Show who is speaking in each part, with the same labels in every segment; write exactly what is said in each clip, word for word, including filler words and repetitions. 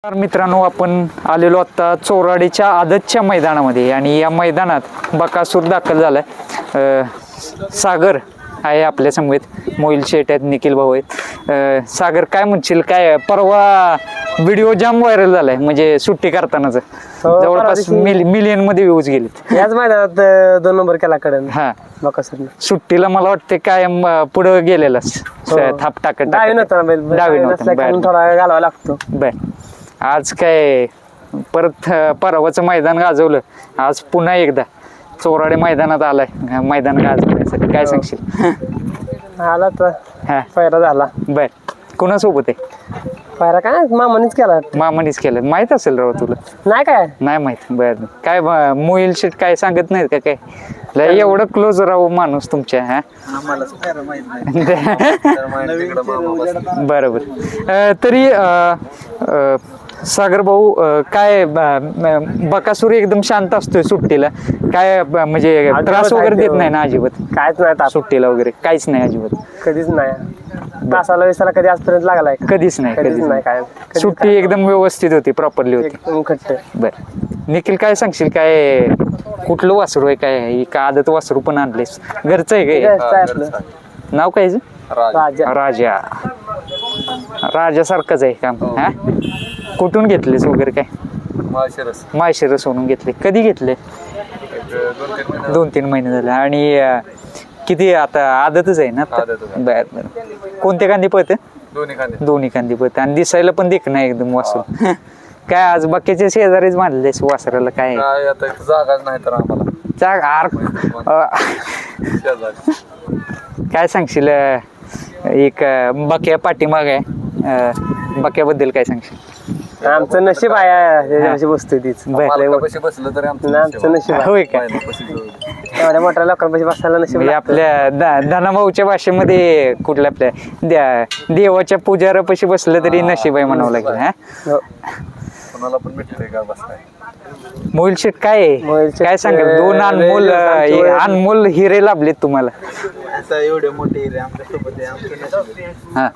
Speaker 1: तर मित्रांनो, आपण आलेलो आता चोराडीच्या आदतच्या मैदानामध्ये आणि या मैदानात बकासूर दाखल झालाय. सागर आहे आपल्या समवेत, मोहिल शेट आहेत, निखिल भाऊ आहेत. सागर, काय म्हणशील? काय परवा व्हिडिओ जाम व्हायरल झालाय, म्हणजे सुट्टी करतानाच जवळपास मिलियन मध्ये व्ह्यूज गेलेत.
Speaker 2: याच मैदानात दोन नंबर केला कडन.
Speaker 1: हा,
Speaker 2: बकासूर
Speaker 1: सुट्टीला मला वाटते काय पुढे गेलेलाच थाप टाकत
Speaker 2: डावी नव्हता, डावी थोडा घालावा लागतो.
Speaker 1: बर, आज काय परत परवाचं मैदान गाजवलं, आज पुन्हा एकदा चोराडे मैदानात आलाय, मैदान गाजवण्यासाठी. काय सांगशील?
Speaker 2: आला तर पायरा झाला.
Speaker 1: बर, कोणासोबत आहे?
Speaker 2: पायरा काय मामानीच केला.
Speaker 1: मामानीच केलं, माहित असेल राव तुला?
Speaker 2: नाही काय
Speaker 1: नाही माहित. बर, काय मोहिल शेट काय सांगत नाहीत का? काय लय एवढं क्लोज राहू माणूस तुमच्या? हा, बरोबर. तरी सागर भाऊ, काय बकासूर एकदम शांत असतोय सुट्टीला? काय म्हणजे त्रास वगैरे देत नाही ना अजिबात?
Speaker 2: कायच नाही
Speaker 1: सुट्टीला वगैरे काहीच नाही अजिबात?
Speaker 2: कधीच नाही. तासाला विसाला कधी आजपर्यंत लागलाय?
Speaker 1: कधीच नाही.
Speaker 2: कधीच नाही. काय
Speaker 1: सुट्टी एकदम व्यवस्थित होती, प्रॉपरली होती. बर, निखिल, काय सांगशील? काय कुठलं वासरू आहे? काय का आदत वासरू पण आणलेस? घरचं आहे काय? नाव काय?
Speaker 2: राजा.
Speaker 1: राजा. राजासारखंच आहे काम. हा, कुठून घेतलेस वगैरे? काय माळशिरस सोडून घेतले? कधी घेतले? दोन तीन महिने झाले. आणि किती आता आदतच आहे ना? बर बर. कोणत्या कांदी पळते? दोन्ही कांदी पळते. आणि दिसायला पण देख नाही एकदम वासरू. काय आज बाकीच्या शेजारीच मानले वासराला? काय
Speaker 3: जागाच नाही तर आम्हाला
Speaker 1: जाग. काय सांगशील? एक बक्या पाठीमाग आहे, बक्याबद्दल काय सांगशील?
Speaker 2: आमचं नशीब आहे बसतोय तीच.
Speaker 3: बसलं तरी
Speaker 2: आमचं नशीब आहे.
Speaker 1: होय का?
Speaker 2: एवढ्या मोठ्या लोकांपाशी बसायला नशीब.
Speaker 1: आपल्या धनाभाऊच्या भाषेमध्ये कुठल्या आपल्या देवाच्या पुजारापाशी बसलं तरी नशीब आहे म्हणावं लागेल. हा,
Speaker 3: कोणाला पण भेटतंय का बसताय?
Speaker 1: मोहिल शेट, काय काय सांगाल? दोन अनमोल अनमोल हिरे लाभलेत तुम्हाला.
Speaker 3: एवढे मोठे हिरे आमच्यासोबत.
Speaker 1: हा,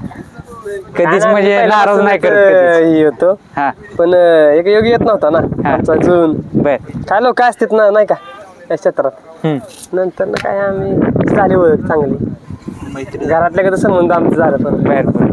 Speaker 1: कधीच म्हणजे नाराज नाही करत
Speaker 2: होतो.
Speaker 1: हा,
Speaker 2: पण एक योग येत नव्हता ना आमचा जून.
Speaker 1: बर,
Speaker 2: काय लोक असतात ना, नाही का या क्षेत्रात. नंतर ना काय आम्ही झाली ओळख चांगली, घरातल्या कसं संबंध आमचं झालं. पण
Speaker 1: बर बर.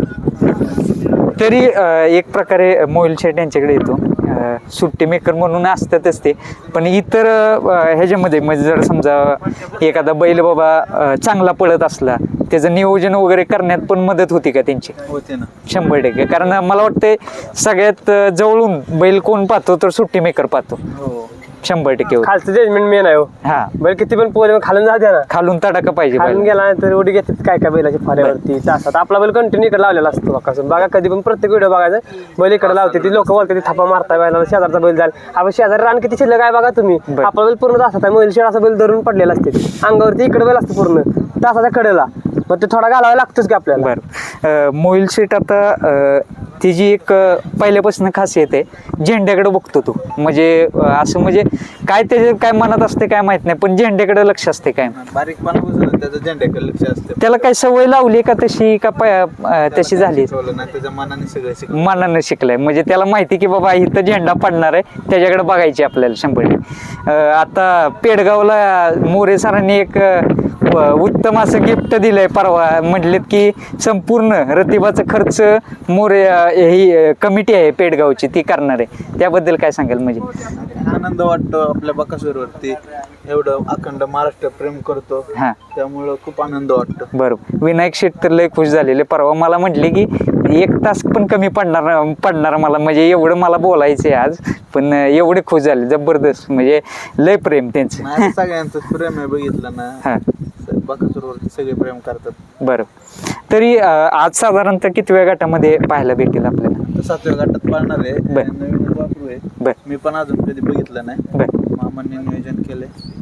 Speaker 1: तरी एक प्रकारे मोहिल शेट यांच्याकडे येतो, सुट्टी मेकर म्हणून असतातच ते, पण इतर ह्याच्यामध्ये म्हणजे जर समजा एखादा बैल बाबा चांगला पळत असला, त्याचं नियोजन वगैरे करण्यात पण मदत होती का त्यांची?
Speaker 3: होते ना,
Speaker 1: शंभर टक्के. कारण मला वाटतंय सगळ्यात जवळून बैल कोण पाहतो तर सुट्टी मेकर पाहतो. शंभर टक्के.
Speaker 2: खालचं जजमेंट मेन आहे.
Speaker 1: हा,
Speaker 2: बैल किती पण पोहोच खालून जाते ना,
Speaker 1: खालून तडाका पाहिजे.
Speaker 2: खालून गेला तर उडी घेतात काय काय बैलाच्या फाऱ्यावरती तासात. आपला बैल कंटिन्यू इकडे लावलेला असतो बघा. बघा कधी पण प्रत्येक व्हिडिओ बघायचं, बैल इकडे लावते ती लोक बोलते ती थापा मारताय बैलाला, शेजारचा बैल जाईल. आपण शेजारी रान किती शिल्लक आहे बघा तुम्ही. आपला बैल पूर्ण तासात आहे, बैल शेड असा बैल धरून पडलेला असते, अंगावरती इकडे बैल असतो पूर्ण तासाच्या कडेला, मग ते थोडा घालावा लागतोच की आपल्याला.
Speaker 1: बरं, मोहिल शेट आता तिची एक पहिल्यापासून खासियत आहे, झेंड्याकडे बघतो तो. म्हणजे असं म्हणजे काय त्याच्या काय मनात असते काय माहित नाही, पण झेंड्याकडे लक्ष असते. काय
Speaker 3: बारीकपणापासून त्याचं झेंड्याकडे लक्ष असते.
Speaker 1: त्याला काय सवय लावली का तशी का तशी झाली?
Speaker 3: त्याच्या मनाने सगळं शिकलं,
Speaker 1: मनानं शिकलाय. म्हणजे त्याला माहिती की बाबा इथं झेंडा पडणार आहे, त्याच्याकडे बघायची आपल्याला शंभर. आता पेडगावला मोरे सरांनी एक उत्तम असं गिफ्ट दिलंय परवा. म्हटलेत की संपूर्ण रतिबाचा खर्च मोरे ही कमिटी आहे पेडगावची ती करणार आहे. त्याबद्दल काय सांगाल? म्हणजे
Speaker 3: आनंद वाटतो आपल्या बकासूरवरती, एवढं अखंड महाराष्ट्र प्रेम करतो.
Speaker 1: हा,
Speaker 3: त्यामुळं खूप आनंद वाटतो.
Speaker 1: बरोबर. विनायक शेट तर लय खुश झालेले परवा. मला म्हटले की एक तास पण कमी पडणार पडणार मला, म्हणजे एवढं मला बोलायचंय आज, पण एवढे खुश झाले. जबरदस्त, म्हणजे लय प्रेम त्यांचं.
Speaker 3: सगळ्यांचं प्रेम आहे बघितलं ना. हा, बकासूरवरती सगळे प्रेम करतात.
Speaker 1: बरं. तरी आज साधारणतः कितव्या गटामध्ये पाहायला भेटेल आपल्याला?
Speaker 3: सातव्या गटात पाळणार आहे, नवीन वापरू आहे.
Speaker 1: बर,
Speaker 3: मी पण अजून कधी बघितलं नाही.
Speaker 1: बर,
Speaker 3: मामांनी नियोजन केलंय.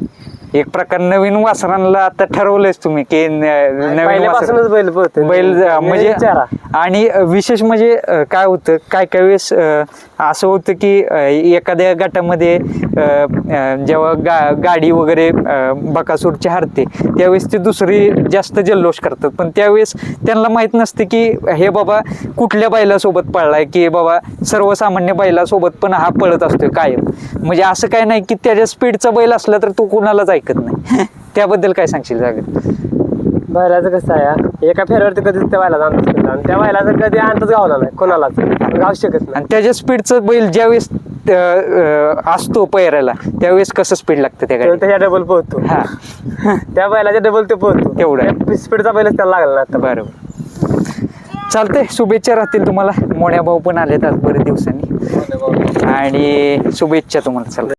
Speaker 1: एक प्रकार नवीन वासरांना आता ठरवलंयच तुम्ही की न- नवीन
Speaker 2: पहिल्यापासूनच
Speaker 1: वासर
Speaker 2: बैल पळतो
Speaker 1: बैल म्हणजे
Speaker 2: विचारा.
Speaker 1: आणि विशेष म्हणजे अं, काय होतं काय काय वेळेस अं, असं होतं की अं, एखाद्या गटामध्ये अं, अं, जेव्हा गा गाडी वगैरे अं, बकासूरची हरते त्यावेळेस ते दुसरी जास्त जल्लोष करतात पण त्यावेळेस त्यांना माहित नसते की हे बाबा कुठल्या बैलासोबत पळलाय की बाबा सर्वसामान्य बैलासोबत पण हा पळत असतोय कायम म्हणजे असं काय नाही की त्याच्या स्पीडचा बैल असला तर तो कुणालाच ऐकत नाही त्याबद्दल काय सांगशील जागर
Speaker 2: बैलाचं कसं आहे हा, एका फेऱ्यावरती कधीच त्या बैलाचा अंदाज केला आणि त्या बैलाचा कधी अंदाज गावला नाही कोणालाच गाव शकत नाही
Speaker 1: आणि त्याच्या स्पीडचं बैल ज्यावेळेस अं, अं, असतो पैरायला त्यावेळेस कसं स्पीड लागतं त्या
Speaker 2: तो
Speaker 1: गाडी
Speaker 2: त्याच्या डबल पोहतो
Speaker 1: हा
Speaker 2: त्या बैलाच्या डबल ते पोहतो
Speaker 1: तेवढं आहे.
Speaker 2: स्पीडचा बैलच त्याला लागला ना आता
Speaker 1: बरोबर चालतंय शुभेच्छा राहतील तुम्हाला मोन्या भाऊ पण आलेत आज बरेच दिवसांनी आणि शुभेच्छा तुम्हाला चला